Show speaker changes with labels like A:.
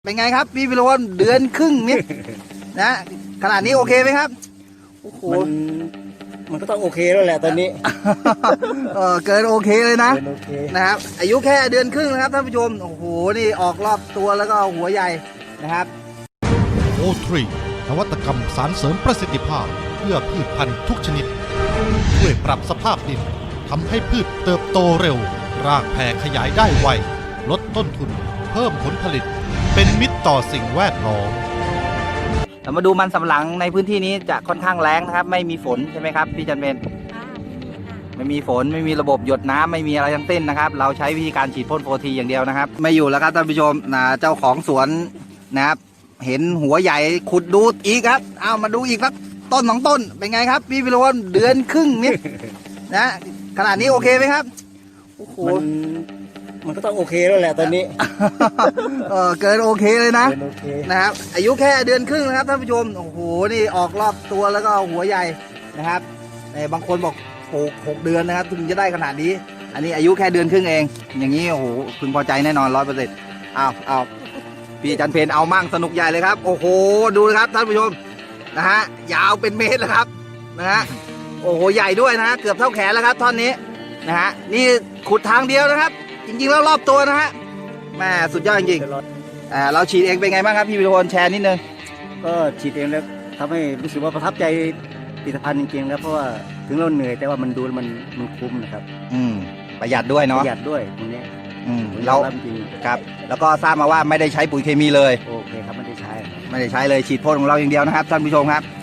A: เป็นไงครับพี่พิรพลเดือนครึ่งนี่ นะขนาดนี้โอเคไหมครับโอ้โห
B: มันก็ต้องโอเคแล้วแหละตอนนี้
A: เกินโอเคเลยนะ
B: เกินโอเค
A: นะครับอายุแค่เดือนครึ่งนะครับท่านผู้ชมโอ้โหนี่ออกรอบตัวแล้วก็หัวใหญ่นะครับ
C: โอทรีนวัตกรรมสารเสริมประสิทธิภาพเพื่อพืชพันธุ์ทุกชนิดช่วยปรับสภาพดินทำให้พืชเติบโตเร็วรากแผ่ขยายได้ไวลดต้นทุนเพิ่มผลผลิตเป็นมิตรต่อสิ่งแวดล้อม
A: เรามาดูมันสำปะหลังในพื้นที่นี้จะค่อนข้างแล้งนะครับไม่มีฝนใช่ไหมครับพี่จันเบนไม่มีฝนไม่มีระบบหยดน้ำไม่มีอะไรทั้งสิ้นนะครับเราใช้วิธีการฉีดพ่นโฟทีอย่างเดียวนะครับไม่อยู่แล้วครับท่านผู้ชมนะเจ้าของสวนนะครับเห็นหัวใหญ่ขุดดูอีกครับเอามาดูอีกครับต้น2 ต้นเป็นไงครับพี่พิรพลเดือนครึ่งนี่นะขนาดนี้โอเคไหมครับโอ้โห
B: มันก็ต้องโอเคแล้วแหละตอนนี้
A: เกินโอเคเลยนะ
B: เกินโอเค
A: นะครับอายุแค่เดือนครึ่งนะครับท่านผู้ชมโอ้โหนี่ออกรอบตัวแล้วก็หัวใหญ่นะครับบางคนบอกปลูก6 เดือนนะครับถึงจะได้ขนาดนี้อันนี้อายุแค่เดือนครึ่งเองอย่างนี้โอ้โหพึงพอใจแน่นอน100%เอาพี่จันเพนเอามั่งสนุกใหญ่เลยครับโอ้โหดูนะครับท่านผู้ชมนะฮะยาวเป็นเมตรแล้วครับนะฮะโอ้โหใหญ่ด้วยนะฮะเกือบเท่าแขนแล้วครับท่อนนี้นะฮะนี่ขุดทางเดียวนะครับจริงๆแล้วรอบตัวนะฮะแม่สุดยอดจริงๆเราฉีดเองเป็นไงบ้างครับพี่พิรพลแชร์นิดนึง
B: ก็ฉีดเองแล้วทำให้รู้สึกว่าประทับใจผลิตภัณฑ์จริงๆแล้วเพราะว่าถึงเราเหนื่อยแต่ว่ามันดูมันคุ้มนะครับ
A: ประหยัดด้วยเนาะ
B: ประหยัดด้วยตรงนี้
A: เรา
B: จริง
A: ครับแล้วก็ทราบมาว่าไม่ได้ใช้ปุ๋ยเคมีเลย
B: โอเคครับไม่ได้ใช้
A: เลยฉีดพ่นของเราอย่างเดียวนะครับท่านผู้ชมครับ